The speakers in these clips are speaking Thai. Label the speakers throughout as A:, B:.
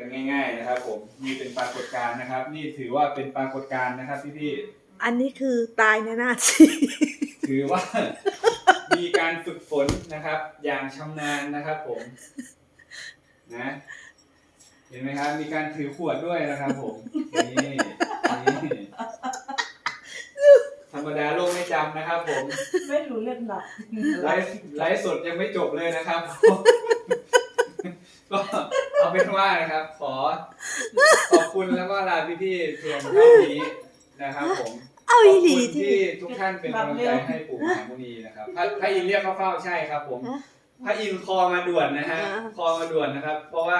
A: กันง่ายๆนะครับผมนี่เป็นปรากฏการณ์นะครับนี่ถือว่าเป็นปรากฏการณ์นะครับพี่
B: ๆอันนี้คือตายในหน้าที่
A: ถือว่า มีการฝึกฝนนะครับอย่างชำนาญนะครับผมนะเห็นไหมครับมีการถือขวดด้วยนะครับผมนี่ธรรมดาโลกไม่จำนะครับผม
C: ไม่รู้เรื่องหรอก
A: ไลฟ์สดยังไม่จบเลยนะครับ ก็เอาเป็นว่านะครับขอบคุณแล้วก็ลาพี่ๆเพียงเท่านี้นะครับผมขอบคุณที่ทุกท่านเป็นกำลังใจให้ปู่มหามุนีนะครับพระอินทร์เรียกเข้าเฝ้าใช่ครับผมพระอินทร์คอมาด่วนนะฮะคอมาด่วนนะครับ เพราะว่า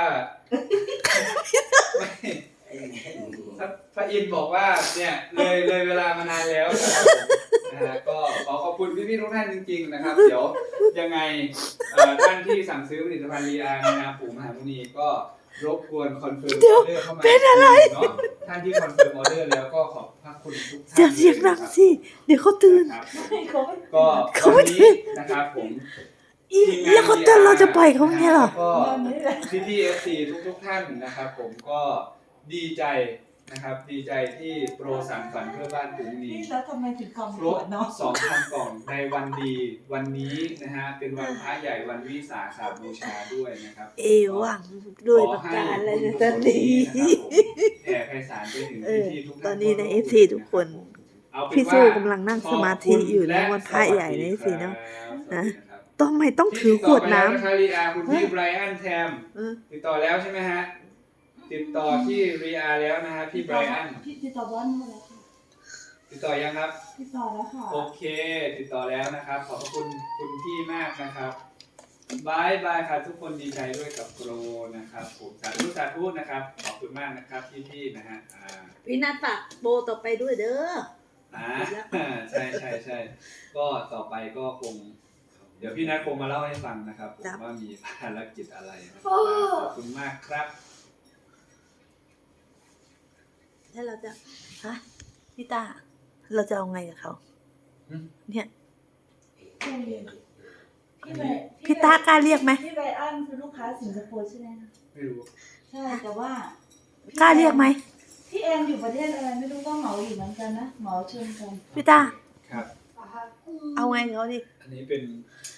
A: พระอินทร์บอกว่าเนี่ยเลยเวลามานานแล้วนะครับนะฮะก็ขอบคุณพี่ๆทุกท่านจริงๆนะครับเดี๋ยวยังไงท่านที่สั่งซื้อผลิตภัณฑ์รีอาในนามปู่มหามุนีก็รบกวนคอนเฟิร์มออเดอร์เข้ามาเป็นอะไรเนาะท่านที่คอนเฟิร์มออเดอร์แล้วก็ขอบพระคุณทุกท่าน
B: อย่าเสียงดังสิเดี๋ยวเขาตื่น
A: ก็วันนี้นะครับผม
B: แล้วเขาตื่นเราจะปล่อยเขาไงหรอ
A: ก็พี่ๆ FC ทุกท่านนะครับผมก็ดีใจนะครับดีใจที่โปรสานฝันเพื่อบ้านปู่มหามุนี
C: แล้วทำไมถึงคำ
A: ครบ 2,000 กล่องในวันดีวันนี้นะฮะเป็นวันพระใหญ่วันวิสาขบูชาด้วยนะครับ
B: หวังด้วยประการอะไรนะตอนนี้
A: แผ่ไพศาลไปถึงที่ทุกท่าน
B: ตอนนี้ใน FC ทุกคนพี่สู้กำลังนั่งสมาธิอยู่นะวันพระใหญ่ใน FC เนาะนะต้องถือขวดน้ำ
A: คุณพี่ไบรอันแทมติดต่อแล้วใช่ไหมฮะติดต่อที่รีอาแล้วนะฮะพี่ไบรอัน
C: ติดต่อบ้านมาแล้วค่ะ
A: ติดต่อยังครับ
C: ติดต่อแล้วค่ะ
A: โอเคติดต่อแล้วนะครับขอบคุณคุณพี่มากนะครับบายครับทุกคนดีใจด้วยกับโปรนะครับผมสาธุนะครับขอบคุณมากนะครับพี่นะฮะ
B: พี่นัทฝากโบต่อไปด้วยเด้อ
A: ใช่ก็ต่อไปก็คงเดี๋ยวพี่นัทคงมาเล่าให้ฟังนะครับผมว่ามีภารกิจอะไรนะครับขอบคุณมากครับ
B: ถ้าเราจะพี่ตาเราจะเอาไงกับเขาเนี่ยพี่ตากล้าเรียกไหม
C: พี่ไบอันคือลูกค้าสิงคโปร์ใช่ไหมคะ
A: ไม่รู้
C: ใช่แต่ว่าก
B: ล้าเรียกไหม
C: พี่แอนอยู่ประเทศอะไรไม่รู้ก็เหมาอยู่เหมือนกันนะเหมาเชิญกัน
B: พี่ตา
A: ครับ
B: เอาไงเขาดิ
A: อันนี้เป็น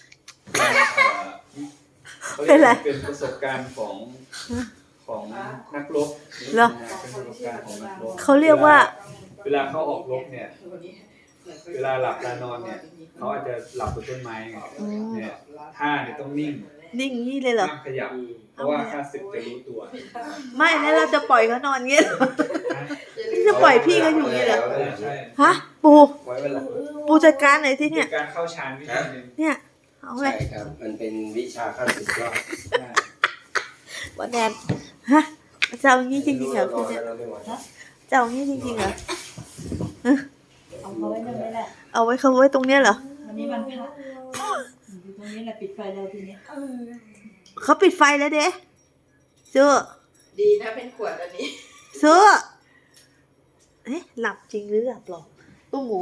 A: เป็นประสบการณ์ของนักรบ
B: เหรอ
A: เป็นประสบการณ์ของนักรบ
B: เขาเรียกว่า
A: เวลาเขาออกรบเนี่ยเวลาหลับเวลานอนเนี่ยเขาอาจจะหลับบนต้นไม้ไงเนี่ยท่าเนี่ยต้องนิ่ง
B: นี่เลยเหรอ
A: ห้ามขยับเพราะว่าข้าศึกจะรู้ตัว
B: ไม่แล้วเราจะปล่อยเขานอนเงี้ยจะปล่อยพี่เขาอยู่งี้เหรอฮะปูจัดการไหนที่เนี่ย
A: การเข้าฌานวิธีนึง
B: เนี่ยเอาไง
D: ใช่ครับมันเป็นวิชาขั้นสุดยอด
B: วันแดนฮะจะเอางี้จริงๆเหรอคุณเนี่ยจะเอางี้จริงๆเหรอ
C: เอาเขาไว้ตรงนี้แหละ
B: เอาไว้เขาไว้ตรงเนี้ยเหรอ
C: วันนี้วันพระอยู่ตรงนี้แหละปิดไฟแล้วทีนี้
B: เขาปิดไฟแล้วเด้เสื้อ
E: ดีนะเป็นขวดอันนี้
B: เสื้อหลับจริงหรือหลับหรอตุ้มหมู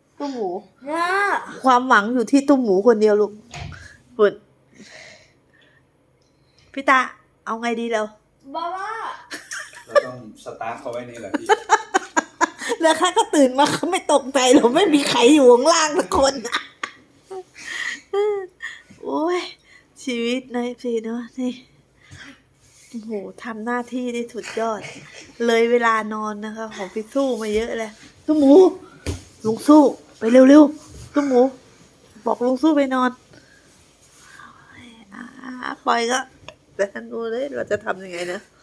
B: ความหวังอยู่ที่ตุ้มหมูคนเดียวลูกฝุ่นพี่ตาเอาไงดีเรา
A: เราต้องสตาร์ทเขาไว้นี่แหละพี่
B: แล้วข้าก็ตื่นมาเขาไม่ตกใจหรอกไม่มีใครอยู่ข้างล่างสักคนโอ้ยชีวิตในพี่เนาะนี่โอ้โหทำหน้าที่ได้สุดยอดเลยเวลานอนนะคะของพี่สู้มาเยอะเลยตุ้มหมูลุงสู้ไปเร็วๆตุ้มหมูบอกลุงสู้ไปนอนปล่อยก็แต่ดูเลยเราจะทำยังไงนะ